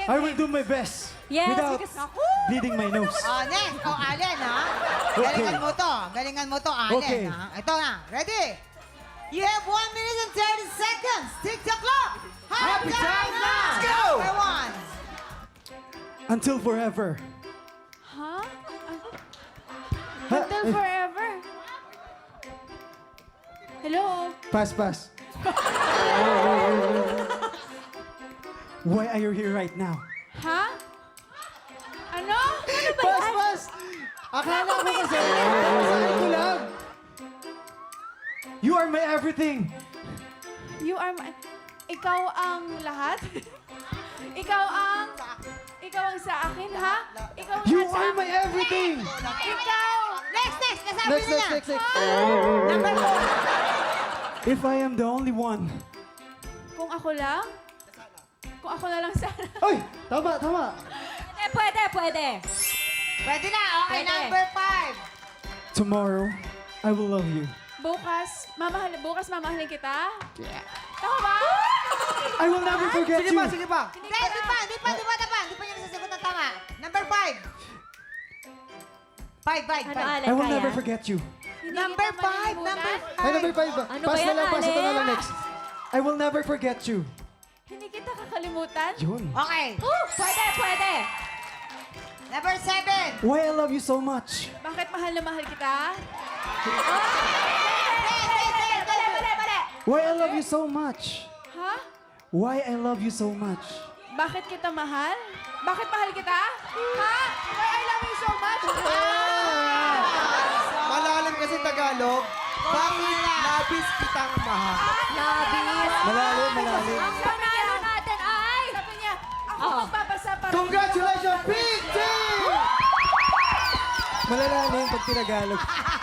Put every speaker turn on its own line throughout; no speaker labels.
I will do my best.
Yes,
without
because...
bleeding my nose.
Next. Allen, ha?
Okay.
Galingan mo to. Galingan mo to, Allen,
Okay.
ha? Ito na. Ready? You have 1 minute and 30 seconds. Tick the clock. Happy time now.
Let's go.
Number one.
Until forever.
Huh?
Ha?
Until forever. Hello?
Pass. Why are you here right now?
Ha? Ano? Ano ba yan?
Pass! Akala ko kasi, sabi ko lang. You are my everything.
You are my... Ikaw ang lahat? Ikaw ang sa akin, ha? Ikaw ang
You
lahat sa
are
akin.
my everything.
Ikaw!
Next. Nasabi na na.
Next.
Number four.
If I am the only one.
Kung ako lang? Kung ako na lang sana.
Ay! Tama!
Pwede.
Pwede na. Okay,
Pwede.
number five.
Tomorrow, I will love you.
Bukas mamahalin kita? Yeah. Tama ba?
I will never forget you.
Sige pa.
Hindi pa niya nasasagot ng tama. Number five. Five.
Ano, Alan,
I will
kaya?
never forget you.
Hindi
Number
kita
five.
malilimutan?
Number
Ay,
five.
number 5.
Ano
Pass
ba
na
yan,
lang, pass ito na
Ale?
lang next. I will never forget you.
Hindi kita kakalimutan?
Yun.
Okay.
Pwede.
Number seven.
Why I love you so much.
Bakit mahal na mahal kita? Mali.
Why I love you so much.
Ha?
Why I love you so much.
Bakit kita mahal? Bakit mahal kita? Ha? Why I love you so much?
Malalim kasi Tagalog. Bakit labis kitang mahal?
Malalim.
Ang sabi niya, ako magbabasa para...
Congratulations, Big Team!
Malalalim pag tinagalog.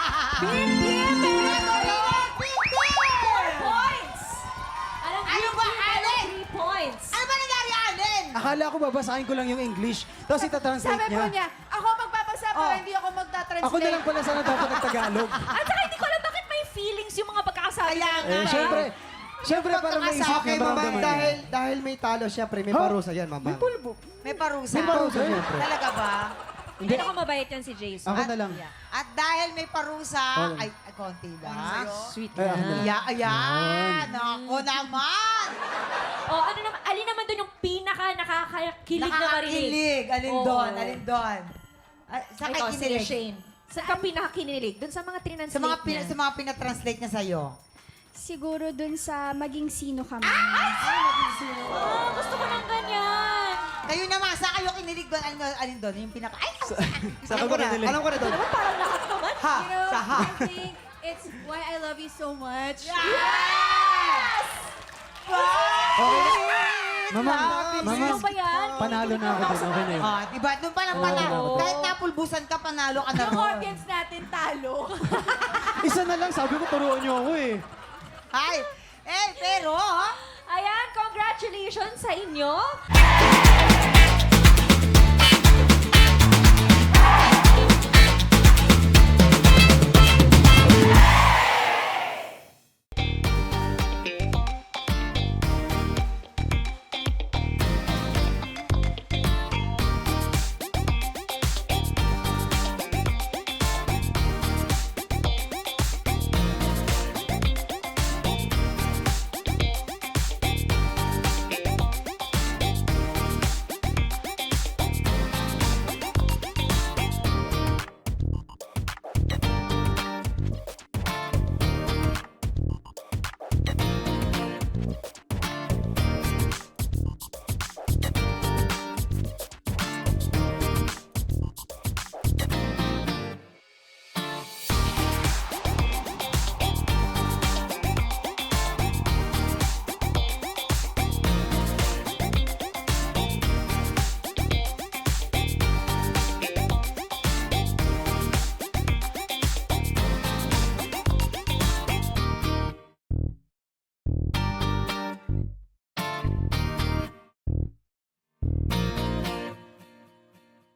Points! Alam
Ano ba, Allen?
3 points.
Ano ba nangyari, Allen?
Akala ko babasahin ko lang yung English. Tapos itatranslate
Sabi po
niya.
niya, ako magbabasa para hindi ako magta-translate.
Ako na lang pala sana dapat nagtagalog.
At saka hindi ko alam bakit may feelings yung mga pagkakasabi
Kaya
niya.
nga.
Syempre para may isip
Okay,
niya
Mamang,
maramdaman.
dahil may talo, syempre may parusa yan, Mamang.
May parusa.
May parusa, syempre.
Talaga ba?
Hindi ako mabait yan si Jason.
Ako na lang.
At dahil may parusa,
Ano?
ay, konti lang.
Sweet
Ay, ako na lang.
Ayan. Ako naman.
Oh, ano naman, alin naman doon yung pinaka nakakakilig na marinig?
Nakakakilig. Alin
Oo.
doon? Ay, sa
Ikaw, si
kinilig.
Shane. Saan ka pinakakinilig? Doon sa mga trinanslate
Sa mga pinatranslate niya sa'yo.
Siguro dun sa maging sino kami.
Oh, gusto ko ng ganyan.
Kayo naman, sa kayo kinilig doon? Alin doon? Yung pinaka... Ay!
Saan ko na nila?
Alam ko na doon.
Diba parang lahat naman?
Ha!
You know,
Sa ha!
I think it's why I love you so much.
Yes!
Mama,
Ano ba yan?
panalo na ako doon. Okay na yun.
Ah, diba? Doon pa lang panalo.
Oo.
Kahit napulbusan ka, panalo ka na
Yung
ron.
audience natin talo.
Isa na lang, sabi ko turuan niyo ako eh.
Ay! Pero...
Ayan, congratulations sa inyo.